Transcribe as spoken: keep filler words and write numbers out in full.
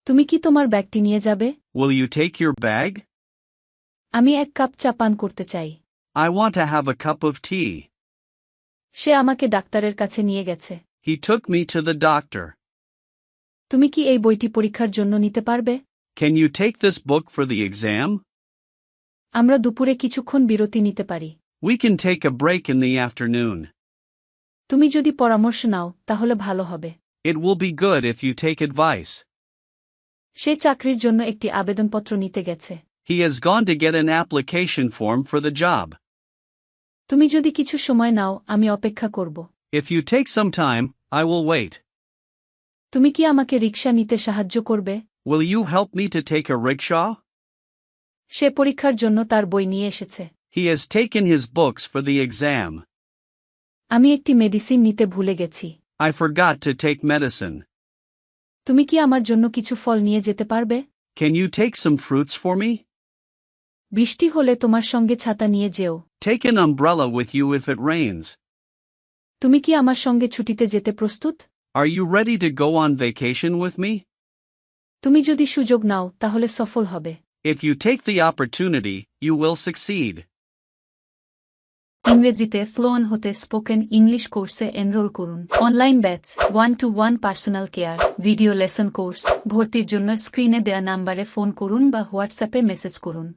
তুমি কি তোমার ব্যাগটি নিয়ে যাবে? Will you take your bag? আমি এক কাপ চা পান করতে চাই। I want to have a cup of tea. সে আমাকে ডাক্তারের কাছে নিয়ে গেছে। He took me to the doctor. তুমি কি এই বইটি পরীক্ষার জন্য নিতে পারবে? Can you take this book for the exam? আমরা দুপুরে কিছুক্ষণ বিরতি নিতে পারি। We can take a break in the afternoon. তুমি যদি পরামর্শ নাও তাহলে ভালো হবে। It will be good if you take advice. সে চাকরির জন্য একটি আবেদনপত্র নিতে গেছে। He has gone to get an application form for the job. তুমি যদি কিছু সময় নাও আমি অপেক্ষা করব। If you take some time, I will wait. তুমি কি আমাকে রিকশা নিতে সাহায্য করবে? Will you help me to take a rickshaw? সে পরীক্ষার জন্য তার বই নিয়ে এসেছে। He has taken his books for the exam. আমি একটি মেডিসিন নিতে ভুলে গেছি। I forgot to take medicine. তুমি কি আমার জন্য কিছু ফল নিয়ে যেতে পারবে? Can you take some fruits for me? বৃষ্টি হলে তোমার সঙ্গে ছাতা নিয়ে যেও। Take an umbrella with you if it rains. তুমি কি আমার সঙ্গে ছুটিতে যেতে প্রস্তুত? Are you ready to go on vacation with me? তুমি যদি সুযোগ নাও তাহলে সফল হবে। If you take the opportunity, you will succeed. ইংরেজিতে ফ্লুয়েন্ট হতে স্পোকেন ইংলিশ কোর্সে এনরোল করুন। Online batch, one to one personal care, video lesson course. ভর্তির জন্য স্ক্রিনে দেয়া নাম্বারে ফোন করুন বা হোয়াটসঅ্যাপে মেসেজ করুন।